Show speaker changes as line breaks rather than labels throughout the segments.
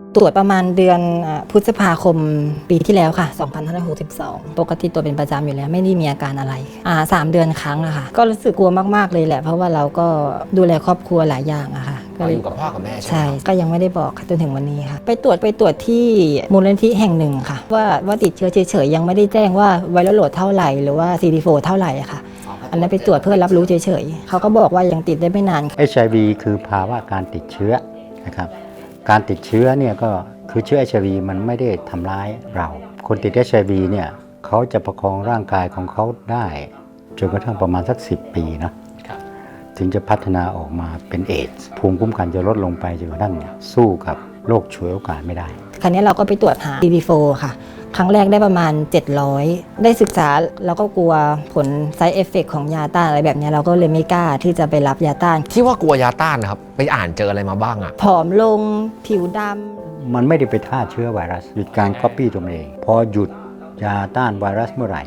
ตรวจประมาณเดือนพฤษภาคมปีที่แล้วค่ะ2562ปกติตรวจเป็นประจำอยู่แล้วไม่ได้มีอาการอะไร3 เดือนครั้งอะค่ะก็รู้สึกกลัวมากๆเลยแหละเพราะว่าเราก็ดูแลครอบครัวหลายอย่างอะค่ะ
ก็อยู่กับพ่อกับแม่ใช่ไหม
ใช่ก็ยังไม่ได้บอกค่ะจนถึงวันนี้ค่ะไปตรวจที่มูลนิธิแห่งหนึ่งค่ะว่าติดเชื้อเฉยๆยังไม่ได้แจ้งว่าไวรัสโหลดเท่าไหร่หรือว่า CD4 เท่าไหร่อะค่ะอันนั้นไปตรวจเพื่อรับรู้เฉยๆเขาก็บอกว่ายังติดได้ไม่นาน
HIV คือภาวะการติดเชื้อนะครับการติดเชื้อเนี่ยก็คือเชื้อ HIV มันไม่ได้ทำร้ายเรา คนติด HIV เนี่ยเขาจะประคองร่างกายของเขาได้จนกระทั่งประมาณสัก10 ปีนะถึงจะพัฒนาออกมาเป็นเอดส์ภูมิคุ้มกันจะลดลงไปจนกระทั่งสู้กับโรคฉวยโอกาสไม่ได้
คราวนี้เราก็ไปตรวจหา CD4 ค่ะครั้งแรกได้ประมาณ700ได้ศึกษาแล้วก็กลัวผล side effect ของยาต้านอะไรแบบนี้เราก็เลยไม่กล้าที่จะไปรับยาต้าน
ที่ว่ากลัวยาต้านนะครับไปอ่านเจออะไรมาบ้างอะ
ผอมลงผิวดำ
มันไม่ได้ไปฆ่าเชื้อไวรัสหยุดการก๊อปปี้ตัวเองพอหยุดยาต้านไวรัสเมื่อไหร่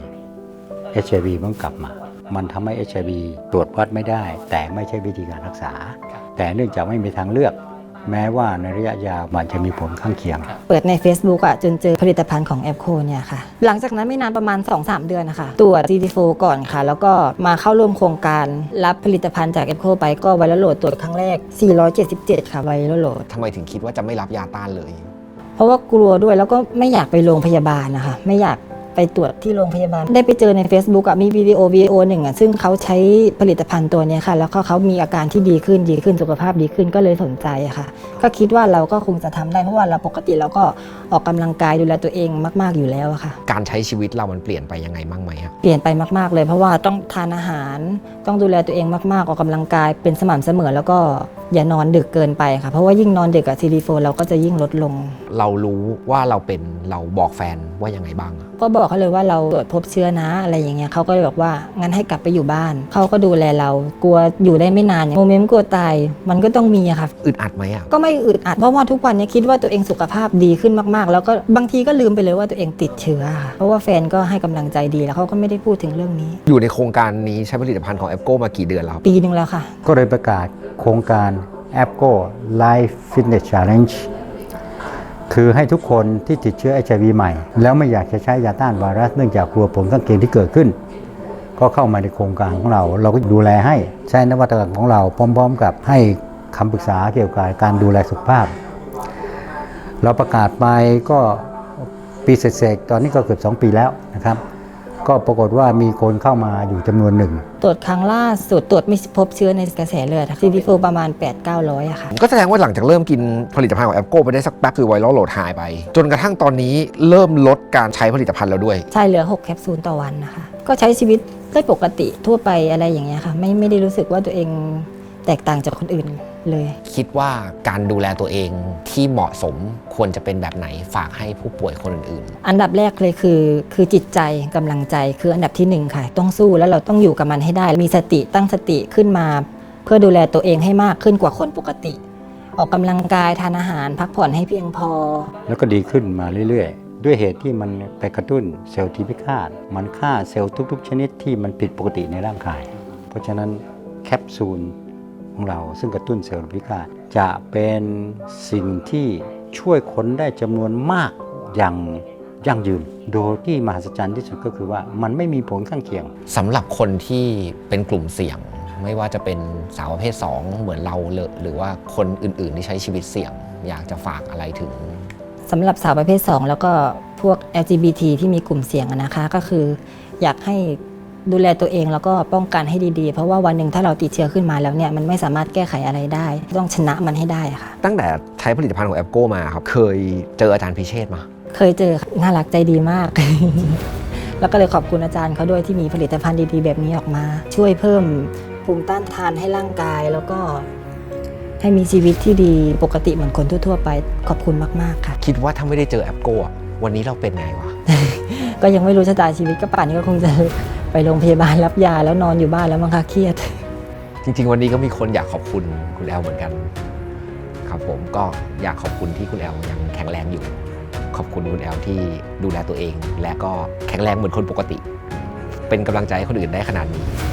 HIV มันกลับมามันทำให้ HIV ตรวจวัดไม่ได้แต่ไม่ใช่วิธีการรักษาแต่เนื่องจากไม่มีทางเลือกแม้ว่าในระยะยาวมันจะมีผลข้างเคียง
เปิดใน Facebook จนเจอผลิตภัณฑ์ของแอปโคเนี่ยค่ะหลังจากนั้นไม่นานประมาณ 2-3 เดือนนะคะตรวจ CD4 ก่อนค่ะแล้วก็มาเข้าร่วมโครงการรับผลิตภัณฑ์จากแอปโคไปก็ไวรัสโหลดตรวจครั้งแรก477ค่ะไวรัสโหลด
ทำไมถึงคิดว่าจะไม่รับยาต้านเลย
เพราะว่ากลัวด้วยแล้วก็ไม่อยากไปโรงพยาบาลนะคะไม่อยากไปตรวจที่โรงพยาบาลได้ไปเจอใน Facebook มีวิดีโอหนึ่งซึ่งเขาใช้ผลิตภัณฑ์ตัวนี้ค่ะแล้วก็เขามีอาการที่ดีขึ้นสุขภาพดีขึ้นก็เลยสนใจค่ะก็คิดว่าเราก็คงจะทำได้เพราะว่าเราปกติเราก็ออกกำลังกายดูแลตัวเองมากๆอยู่แล้วค่ะ
การใช้ชีวิตเรามันเปลี่ยนไปยังไงบ้างไหมครับ
เปลี่ยนไปมากๆเลยเพราะว่าต้องทานอาหารต้องดูแลตัวเองมากๆออกกำลังกายเป็นสม่ำเสมอแล้วก็อย่านอนดึกเกินไปค่ะเพราะว่ายิ่งนอนดึกCD4 เราก็จะยิ่งลดลง
เรารู้ว่าเราเป็นเราบอกแฟนว่ายังไงบ้าง
ก็บอกเขาเลยว่าเราตรวจพบเชื้อนะอะไรอย่างเงี้ยเขาก็เลยบอกว่างั้นให้กลับไปอยู่บ้านเขาก็ดูแลเรากลัวอยู่ได้ไม่นานโมเมนต์กลัวตายมันก็ต้องมีค่ะ
อึดอัดไหม
ก็ไม่อึดอัดเพราะว่าทุกวันนี้คิดว่าตัวเองสุขภาพดีขึ้นมากๆแล้วก็บางทีก็ลืมไปเลยว่าตัวเองติดเชื้อค่ะเพราะว่าแฟนก็ให้กำลังใจดีแล้วเขาก็ไม่ได้พูดถึงเรื่องนี้
อยู่ในโครงการนี้ใช้ผลิตภัณฑ์ของแอปโก้มากี่เดือนแล้ว
ปีนึงแล้วค่ะ
ก็เลยประกาศโครงการแอปโก้ Life Fitness Challenge คือให้ทุกคนที่ติดเชื้อ HIV ใหม่แล้วไม่อยากจะใช้ยาต้านไวรัสเนื่องจากกลัวผลข้างเคียงที่เกิดขึ้นก็เข้ามาในโครงการของเราก็ดูแลให้ใช้นวัตกรรมของเราพร้อมๆกับให้คำปรึกษาเกี่ยวกับการดูแลสุขภาพเราประกาศไปก็ปีเศษๆตอนนี้ก็เกือบ2 ปีแล้วนะครับก็ปรากฏว่ามีคนเข้ามาอยู่จำนวนหนึ่ง
ตรวจครั้งล่าสุดตรวจไม่พบเชื้อในกระแสเลือด CD4 ประมาณ 8-900อะค่ะ
ก็แสดงว่าหลังจากเริ่มกินผลิตภัณฑ์ของแอปโก้ไปได้สักแป๊บคือไวรัลโหลดหายไปจนกระทั่งตอนนี้เริ่มลดการใช้ผลิตภัณฑ์แล้วด้วย
ใช่เหลือ6 แคปซูลต่อวันนะคะก็ใช้ชีวิตได้ปกติทั่วไปอะไรอย่างเงี้ยค่ะไม่ได้รู้สึกว่าตัวเองแตกต่างจากคนอื่นเลย
คิดว่าการดูแลตัวเองที่เหมาะสมควรจะเป็นแบบไหนฝากให้ผู้ป่วยคนอื่น
ๆอันดับแรกเลยคือจิตใจกำลังใจคืออันดับที่1ค่ะต้องสู้แล้วเราต้องอยู่กับมันให้ได้มีสติตั้งสติขึ้นมาเพื่อดูแลตัวเองให้มากขึ้นกว่าคนปกติออกกำลังกายทานอาหารพักผ่อนให้เพียงพอ
แล้วก็ดีขึ้นมาเรื่อยๆด้วยเหตุที่มันไปกระตุ้นเซลล์ที่พิฆาตมันฆ่าเซลล์ทุกๆชนิดที่มันผิดปกติในร่างกายเพราะฉะนั้นแคปซูลของเราซึ่งกระตุ้นเซลล์พิฆาตจะเป็นสิ่งที่ช่วยคนได้จำนวนมากอย่างยั่งยืนโดยที่มหัศจรรย์ที่สุดก็คือว่ามันไม่มีผลข้างเคียง
สำหรับคนที่เป็นกลุ่มเสี่ยงไม่ว่าจะเป็นสาวประเภท2เหมือนเราหรือว่าคนอื่นๆที่ใช้ชีวิตเสี่ยงอยากจะฝากอะไรถึง
สำหรับสาวประเภท2แล้วก็พวก LGBT ที่มีกลุ่มเสี่ยงนะคะก็คืออยากให้ดูแลตัวเองแล้วก็ป้องกันให้ดีๆเพราะว่าวันหนึ่งถ้าเราติดเชื้อขึ้นมาแล้วเนี่ยมันไม่สามารถแก้ไขอะไรได้ต้องชนะมันให้ได้ค่ะ
ตั้งแต่ใช้ผลิตภัณฑ์ของแอปโก้มาครับเคยเจออาจารย์พิเชษมา
เคยเจอน่ารักใจดีมาก แล้วก็เลยขอบคุณอาจารย์เขาด้วยที่มีผลิตภัณฑ์ดีๆแบบนี้ออกมาช่วยเพิ่มภูมิต้านทานให้ร่างกายแล้วก็ให้มีชีวิตที่ดีปกติเหมือนคนทั่วๆไปขอบคุณมากๆค่ะ
คิดว่าถ้าไม่ได้เจอแอปโก้วันนี้เราเป็นไงวะ
ก็ยังไม่รู้ชะตาชีวิตก็ป่านนี้ก็คงจะไปโรงพยาบาลรับยาแล้วนอนอยู่บ้านแล้วมั้งคะเครียด
จริงๆวันนี้ก็มีคนอยากขอบคุณคุณแอลเหมือนกันครับผมก็อยากขอบคุณที่คุณแอลยังแข็งแรงอยู่ขอบคุณคุณแอลที่ดูแลตัวเองและก็แข็งแรงเหมือนคนปกติเป็นกำลังใจให้คนอื่นได้ขนาดนี้